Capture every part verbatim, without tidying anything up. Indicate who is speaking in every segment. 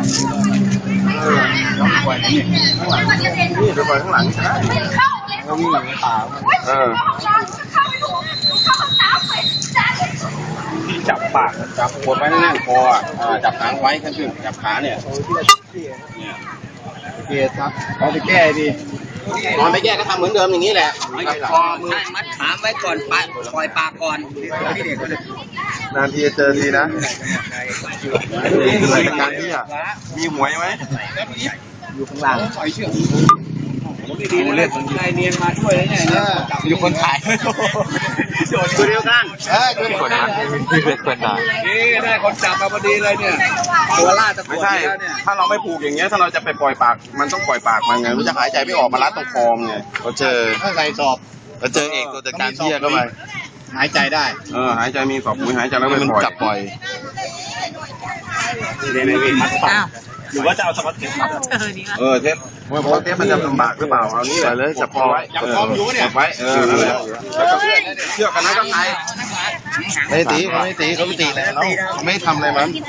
Speaker 1: ปล่อยนี่นี่ไปปล่อยข้างหลังใช่ไหมแล้ววิ่งในป่าเออที่จับปากจับกดไว้แน่นคออ่ะจับหางไว้ขึ้นขึ้นจับขาเนี่ยเนี่ยเกศครับเอาไปแก้ดินอนไปแก้ก็ทำเหมือนเดิมอย่างนี้แหละคอมือ
Speaker 2: มัดขาไว้ก่อนปล่อยปากก่อน
Speaker 1: นานทีจะเจอทีนะรายการที่อ่ะมีหวยไหม
Speaker 2: อยู่ข้างล่างดีๆเล่นนายเนียนมาช่วยแล้วเนี่ยมีคนถ่าย
Speaker 1: ตัวเดียวกันเออตัวคนนะมีเป็นคนถ่าย
Speaker 2: นี่ได้คนจับมาพอดีเลยเนี่ยตัวล่าตะก
Speaker 1: ไม่ใช่ถ้าเราไม่ผูกอย่างเงี้ยถ้าเราจะไปปล่อยปากมันต้องปล่อยปากมันไงมันจะหายใจไม่ออกมารัดตรงคอมไงเราเจอ
Speaker 2: ถ้าใส่สอบ
Speaker 1: เราเจอเอกตัวจัดการเที่ยเข้าไป
Speaker 2: หายใจได้
Speaker 1: เออหายใจมีสอบปุ๋ยหายใจแล้วมันจับปล่อยหรือว่าจะเอาสก๊อตเทปเออเทปเพราะเทปมันจะลำบากหรือเปล่าเอานี่เลยจับคอไว้จับคออยู่เนี่ยไว้เออแล้วก็เชือกกันนั้นก็ไงไม่ตีเขาไม่ตีเขาไม่ตีแล้วเขาไม่ทำอะไรมัน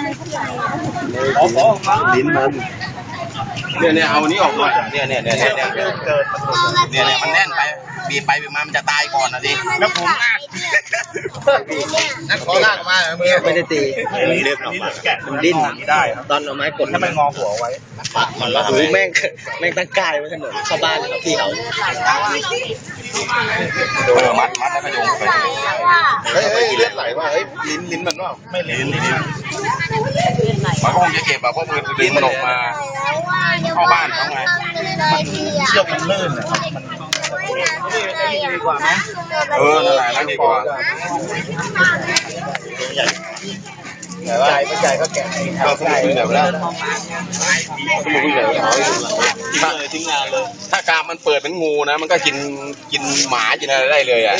Speaker 1: ลิ้นมันเนี่ยเนี่ยเอานี้ออกหน่อยเนี่ยเนี่ยเนี่ยเนี่ยเนี่ยเนี่ยมันแน่นไปบีบไปบีบมามันจะตายก่อนนะดิแล้วผมลากนักขอลากมาเมื่อ
Speaker 2: ไม่ได้ตี
Speaker 1: เลือดออกมา
Speaker 2: มันดิ้นได้ตอนเอาไม้กด
Speaker 1: ถ้ามันงอหัวไว้
Speaker 2: มันละแม่งแม่งตั้งกายไว้ถนนเข้าบ้านครับพี่เขา
Speaker 1: โดนมัดมัดแล้วก็โยงไปเฮ้ยเฮ้ยเลือดไหลว่ะเฮ้ยลิ้นลิ้นมันว่าไม่ลิ้นลิ้นมันคงจะเก็บแบบเพราะมือลิ้นมันออกมาเข้าบ้านเขาไงเชือกมันลื่นอ่ะ
Speaker 2: ดีกว่าไหม
Speaker 1: เออนั่นแหละนั่นดีกว่า
Speaker 2: ใหญ่ไม่ใหญ่ก็แกะ
Speaker 1: ก็สมุนไพรแบบนั้นสมุนไพรแบบนั้นทิ้งเลยทิ้งงานเลยถ้ากามมันเปิดเป็นงูนะมันก็กินกินหมากินอะไรได้เลยอ่ะ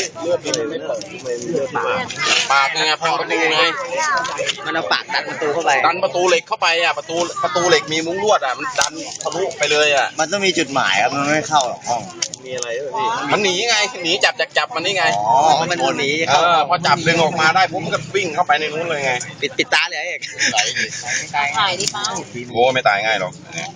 Speaker 1: ปากไงพังประตูไง
Speaker 2: มันเอาปากดันประตูเข้าไป
Speaker 1: ดันประตูเหล็กเข้าไปอ่ะประตูประตูเหล็กมีมุ้งลวดอ่ะมันดันทะลุไปเลยอ่ะ
Speaker 2: มันต้องมีจุดหมายครับมันไม่เข้าหรอกห้อง
Speaker 1: มีอะไรด้วยพี่มันหนีไงหนีจับจับจับมันนี่ไง
Speaker 2: อ๋อมันหนี
Speaker 1: เออพอจับดึงออกมาได้ปุ๊บมันก็วิ่งเข้าไปในนู้นเลยไง
Speaker 2: ปิดปิดตาเลยเอก
Speaker 3: ถ่ายดิเป้า
Speaker 1: โอ้ไม่ตายง่ายหรอก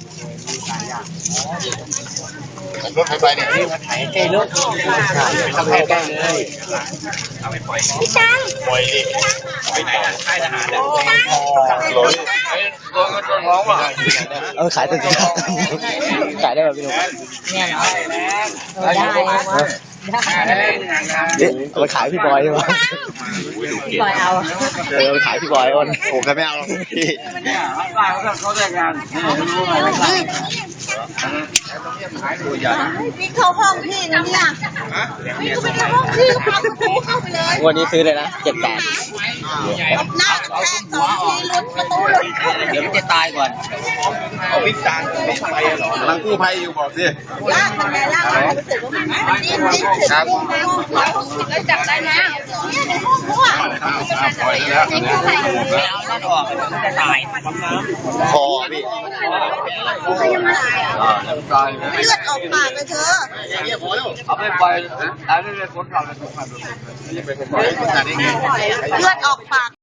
Speaker 1: รถไฟไปเนี่ย
Speaker 2: ถ่ายใกล้รถทำให้ใกล้เลย
Speaker 3: พี่จัง
Speaker 1: ปล่อยดิไปไหนค่ายทหารเนี่ยรถรถรถร้องว่ะ
Speaker 2: เออขายตัวจริงขายได้แบบพี่หนุ่ม
Speaker 3: เนี่ยเหรอได้
Speaker 2: ได้เอาไปขายพี่บอยใช่ไหม
Speaker 3: พี่บอยเอา
Speaker 2: เออไปขายพี่บอยวันโอ้แกไม่เอาหรอกพี่
Speaker 3: เขาแต่งงานพี่เขาห้องพี่นะเนี่ยพี่ก็ไปเข้าห้องพี่ก็พาคุณครูเข้าไปเลย
Speaker 2: วันนี้ซื้อเลยนะเจ็ดแปด
Speaker 3: น้าแค่สองทีลุ้นประตูลุ้น
Speaker 2: เดี๋ยวมันจะตายก่อน
Speaker 1: เอาพิจารณ์ไม่ไปหรอกำลังกู้ภัยอยู่บอกสิ
Speaker 3: ลากมันไปลากมันรู้สึกว่ามันดิ้นดิ้นถึงห้องแล้วจับได้นะเนี่ยในห้องเขาอ่ะ
Speaker 1: ปล่อยแล้ว
Speaker 3: ในกู้ภัย
Speaker 2: ไม่เอานั่นออกมันจะตายคอพี่
Speaker 3: เขายังไม่ตายอ่ะเลือดออกปากเลยเธอ
Speaker 2: เอาไปปล่อยอันนี้เป็นคนทำเลย
Speaker 3: เลือดออกปาก